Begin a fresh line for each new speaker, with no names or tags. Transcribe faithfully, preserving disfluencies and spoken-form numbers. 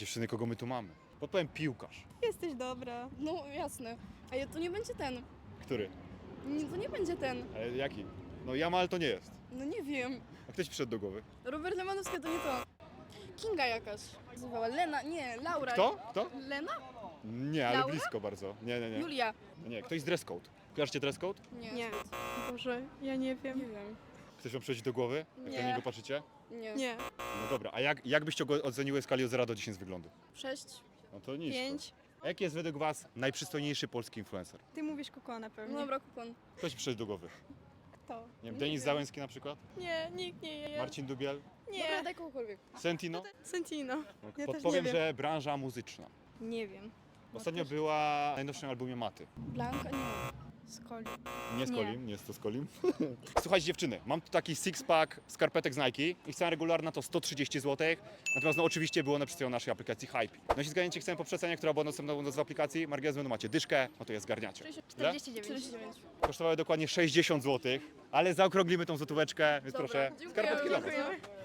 Dziewczyny, kogo my tu mamy? Podpowiem piłkarz.
Jesteś dobra.
No jasne. A ja, to nie będzie ten.
Który?
Nie, to nie będzie ten.
Ale jaki? No Jamal to nie jest.
No nie wiem.
A ktoś przyszedł do głowy?
Robert Lewandowski to nie to. Kinga jakaś. Nazywała Lena, nie, Laura.
Kto? Kto?
Lena?
Nie, ale
Laura?
blisko bardzo. Nie, nie, nie.
Julia.
Nie, ktoś z dress code. Kojarzycie dress code?
Nie.
Nie. Boże, ja nie wiem.
Nie wiem.
Ktoś wam przychodzi do głowy? Jak
Nie.
na niego patrzycie?
Nie.
Nie.
No dobra, a jak, jak byście go oceniły w skali od zera do dziesięciu z wyglądu?
Sześć.
No to nisko.
Pięć.
A jaki jest według was najprzystojniejszy polski influencer?
Ty mówisz kokona pewnie.
No dobra, kupon.
Ktoś przyszedł do głowy.
Kto?
Nie wiem,
Nie
Denis
wiem.
Załęski na przykład?
Nie, nikt nie je.
Marcin Dubiel?
Dobra,
Nie.
daj kogokolwiek.
Sentino?
Sentino.
No,
Ja też
podpowiem,
nie wiem.
że branża muzyczna.
Nie wiem.
Ostatnio była w najnowszym albumie Maty.
Blanka? Nie.
Skoli.
Nie z
Nie.
Kolim, nie jest to z Kolim. Słuchajcie dziewczyny, mam tu taki six-pack skarpetek z Nike. Ich cena regularna to sto trzydzieści złotych. Natomiast no oczywiście było one przedstawione na naszej aplikacji Hype. No jeśli zgadniecie chcę po przecenie, która była dostępna u nas w aplikacji, margines będą macie dyszkę, no to je zgarniacie. Ile?
czterdzieści dziewięć.
Kosztowały dokładnie sześćdziesiąt złotych, ale zaokrąglimy tą złotóweczkę, więc
Dobra,
proszę,
dziękuję,
skarpetki dla was.
dziękuję.